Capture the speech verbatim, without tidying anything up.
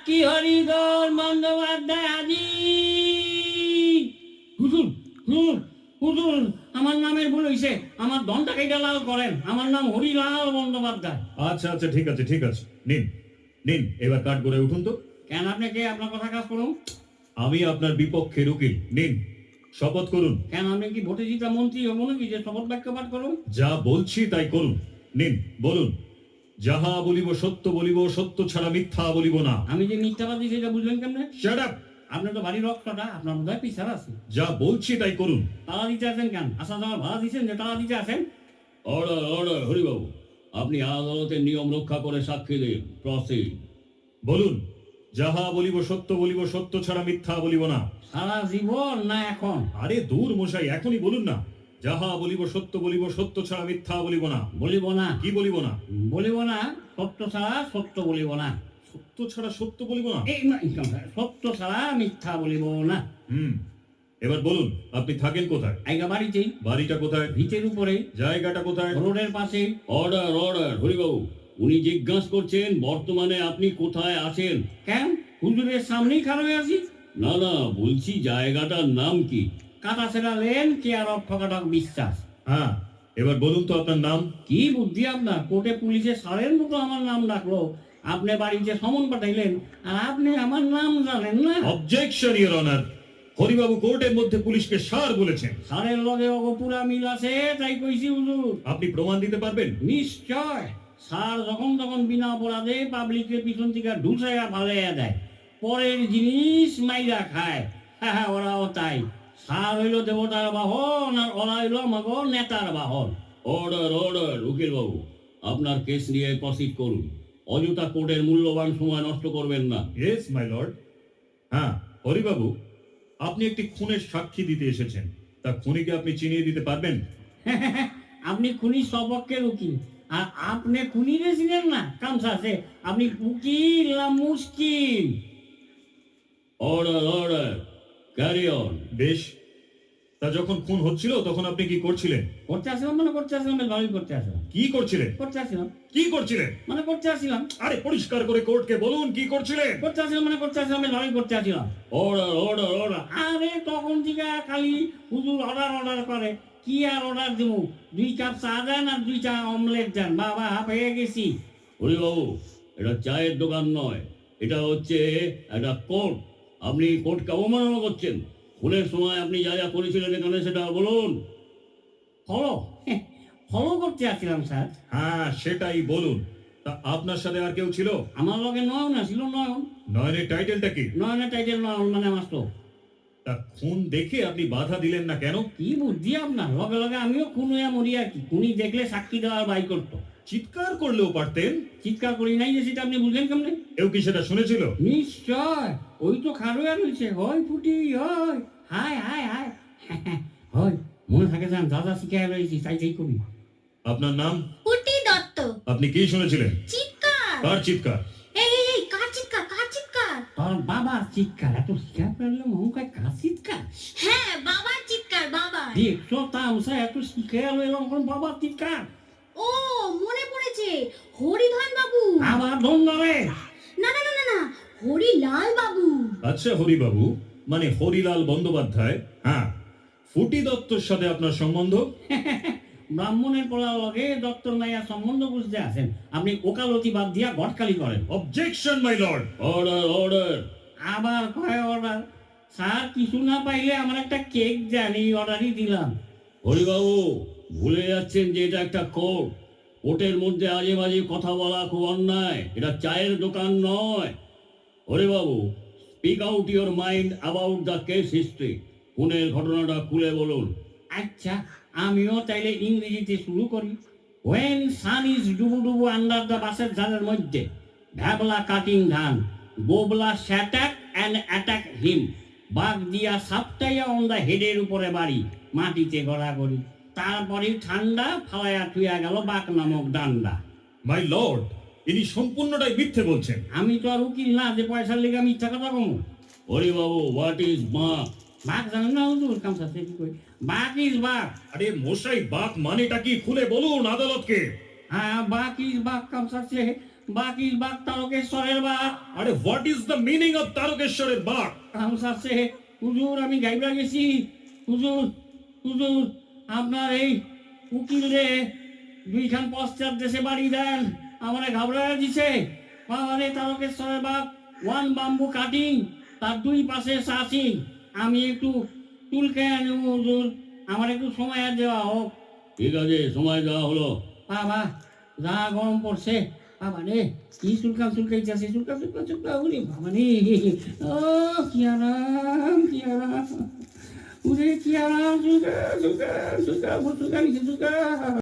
সাক্ষী হরিধর বন্দ্যোপাধ্যায় আজি। হুজুর হুজুর হুজুর আমার নামের ভুল হইছে, আমার দনটা কেটে লাল করেন, আমার নাম হরিলাল বন্দ্যোপাধ্যায়। আচ্ছা আচ্ছা ঠিক আছে ঠিক আছে, নিন নিন এবার কাঠ করে উঠুন তো। কেন আপনি কে? আপনার কথা কাজ করুন। আমি আপনার বিপক্ষের উকিল, নিন শপথ করুন। কেন আপনি কি ভোটে জিতা মন্ত্রী হবো নাকি যে শপথ বাক্য পাঠ করুন? যা বলছি তাই করুন, নিন বলুন। যাহা বলিব সত্য বলিব, সত্য ছাড়া মিথ্যা বলিব না। আমি যে মিথ্যাবাদী সেটা বুঝলেন কেমনে? Shut up! আপনি তো বাড়ির রক্ষটা, আপনার বোধহয় পিছার আছে। যা বলছি তাই করুন। তালা দিতে আছেন কেন? আসা যাওয়ার ভাড়া দিচ্ছেন যে তালা দিতে আছেন? অর্ডার অর্ডার হরিবাবু, আপনি আদালতের নিয়ম রক্ষা করে সাক্ষী দিন। প্রসিড। বলুন, যাহা বলিব সত্য বলিব, সত্য ছাড়া মিথ্যা বলিব না। সারা জীবন না এখন? আরে দূর মশাই, এখনই বলুন না। যাহা বলিব সত্য বলিব, সত্য ছাড়া মিথ্যা বলিব না। বলিব না? কি বলিব না? বলিব না, সত্য ছাড়া সত্য বলিব না। সত্য ছাড়া সত্য বলিব না? এই না, সত্য ছাড়া মিথ্যা বলিব না। হুম, এবার বলুন, আপনি থাকেন কোথায়? আইগা বাড়িতেই। বাড়িটা কোথায়? ভিতের উপরে। জায়গাটা কোথায়? রোডের পাশে। অর্ডার অর্ডার হরিবাবু, উনি জিজ্ঞাসা করছেন বর্তমানে আপনি কোথায় আছেন। কেন? হুজুরের সামনেই খারাপ আছি। না না, বলছি জায়গাটার নাম কি? Katachhera lane, care of Thakathak Biswas. হ্যাঁ, এবার বলুন তো আপনার নাম। কি বুদ্ধি আপনার! কোর্টে পুলিশে সারের মতো আমার নাম ডাকলো, আপনি বাড়িতে সমন পাঠাইলেন, আর আপনি আমার নাম জানেন না? Objection your honour. হরিবাবু কোর্টের মধ্যে পুলিশকে সার বলেছেন। সারের লগে অগো পুরা মিল আছে, তাই কইছি হুজুর। আপনি প্রমাণ দিতে পারবেন? নিশ্চয়। স্যার যখন তখন বিনা অপরাধে পাবলিকের পিছন থেকে ঢুসাইয়া ফালাইয়া দেয়, পরের জিনিস মাইরা খায়। হ্যাঁ হ্যাঁ, ওরাও তাই। স্যার হইল দেবতার বাহন, আর ওরা হইল আমাগো নেতার বাহন। অর্ডার অর্ডার উকিলবাবু, আপনার কেস নিয়ে প্রসিড করুন। অযথা কোর্টের মূল্যবান সময় নষ্ট করবেন না। Yes my lord. হ্যাঁ হরিবাবু, আপনি একটি খুনের সাক্ষী দিতে এসেছেন, তা খুনিকে আপনি চিনিয়ে দিতে পারবেন? আপনি খুনি সপক্ষের উকিল, আর আপনি খুনিরে চিনেন না? কামসা আছে, আপনি উকিল না মুশকিল? Order order, carry on. বেশ, তা যখন খুন হচ্ছিল তখন আপনি কি করছিলেন? করতে আসলাম মানে করতে আসলাম, বেশ ভালোই করতে আসলাম। কি করছিলেন? করতে আসলাম কি করছিলেন? মানে করতে আসলাম। আরে পরিষ্কার করে কোর্টকে বলুন কি করছিলেন। করতে আসলাম মানে করতে আসলাম, বেশ ভালোই করতে আসলাম। Order order order. আরে তখন থেকে খালি হুজুর অর্ডার অর্ডার করে, কি আর অর্ডার দেবো? দুই কাপ চা দেন আর দুইটা অমলেট দেন, বাবা হয়ে গেছি। হরিবাবু, এটা চায়ের দোকান নয়, এটা হচ্ছে একটা কোর্ট। আপনি কোর্টকে অবমাননা করছেন। খুনের সময় আপনি যা যা করেছিলেন এখানে সেটা বলুন। ফলো ফলো করতে আসছিলাম স্যার। হ্যাঁ সেটাই বলুন। তা আপনার সাথে আর কেউ ছিল? আমার লগে নয়ন আসছিল। নয়ন? নয়নের টাইটেলটা কি? নয়নের টাইটেল নয়ন মানে আমার তো। তা খুন দেখে আপনি বাধা দিলেন না কেন? কি বুদ্ধি আপনার! লগে লগে আমিও খুন হইয়া মরি আর কি। খুনি দেখলে সাক্ষী দেওয়ার বাই করতো। চিৎকার করলেও পারতেন। চিৎকার করি নাই যে, সেটা আপনি বুঝলেন কেমনে? কেউ কি সেটা শুনেছিল? নিশ্চয়, ওই তো খারোয়া রয়েছে, হয় ফুটি হয়, হায় হায় হায় হয়। মনে থাকে যান, যা যা শিখাই রয়েছি তাই তাই করি। আপনার নাম? পুটি দত্ত। আপনি কি শুনেছিলেন? চিৎকার। কার চিৎকার? এই এই এই, কার চিৎকার? কার চিৎকার? তোর বাবার চিৎকার। এত শিকার করলে মহকায় কার চিৎকার? হ্যাঁ, বাবার চিৎকার, বাবার। দেখছো তামসা, এত শিখাল এরকম বাবার চিৎকার। ও, মনে পড়েছে, হরিধন বাবু। আবার ধন্য রে। না না না না না, হরিলাল বাবু। আচ্ছা হরিবাবু, মানে হরিলাল বন্দ্যোপাধ্যায়। হ্যাঁ, ফুটি দত্তর সাথে আপনার সম্বন্ধ? ব্রাহ্মণের পোলার লগে দত্তর নাইয়া সম্বন্ধ বুঝতে আছেন, আপনি ওকালতি বাদ দিয়া গটকালি করেন। Objection my lord. Order order. আবার কয় অর্ডার? স্যার কিছু না পাইলে আমার একটা কেক জানি, অর্ডারই দিলাম। হরিবাবু, ভুলে যাচ্ছেন যে এটা একটা কোর্ট। কোর্টের মধ্যে আজে বাজে কথা বলা খুব অন্যায়। এটা চায়ের দোকান নয়। Haribabu, speak out your mind about the case history. খুনের ঘটনাটা খুলে বলুন। আচ্ছা, আমিও তাইলে ইংরেজিতে শুরু করি। ওয়েন সান ইজ ডুবু ডুবু আন্ডার দ্য বাসের ঝালের মধ্যে, ভ্যাবলা কাটিং ধান, বোবলা স্যাটাক অ্যান্ড অ্যাটাক হিম, বাঘ দিয়া সাপটাইয়া অন দ্য হেডের উপরে বাড়ি, মাটিতে গড়াগড়ি। তারপরে ঠান্ডা ফালাইয়া থুইয়া গেল বাঘ নামক ডান্ডা। মাই লর্ড, ইনি সম্পূর্ণটাই মিথ্যে বলছেন। আমি তো আর উকিল না যে পয়সার লেগে মিথ্যা কথা কমু। হরিবাবু, হোয়াট ইজ বাঘ? বাঘ জানেন না হুজুর? কামসা সে কি কই, বাঘ ইজ বাঘ। আরে মশাই, বাক মানেটা কি খুলে বলুন আদালতকে। হ্যাঁ, বাঘ ইজ বাঘ কামসা সে, বাকির বাঘ তারকেশ্বরের বাঘ আরে what is the meaning of তারকেশ্বরের বাঘ? রামস আছে হুজুর, আমি গাইবা গেছি হুজুর। হুজুর আপনার এই উকিল রে দুইখান পশ্চাৎ দেশে বাড়ি দেন, আমারে ঘাবড়ায় দিছে। বাবারে তারকেশ্বরের বাঘ ওয়ান বাম্বু কাটিং, তার দুই পাশে সাসিং। আমি একটু চুলকে আনি হুজুর, আমার একটু সময় আর দেওয়া হোক। ঠিক আছে, সময় দেওয়া হলো। বাবা যা গরম পড়ছে, বাবা রে কি চুলকান চুলকাইতেছে, চুলকা চুলকা চুলকা উনি বাবা রে। ও কি আরাম, কি আরাম, উরে কি আরাম, চুলকা চুলকা চুলকা চুলকা চুলকা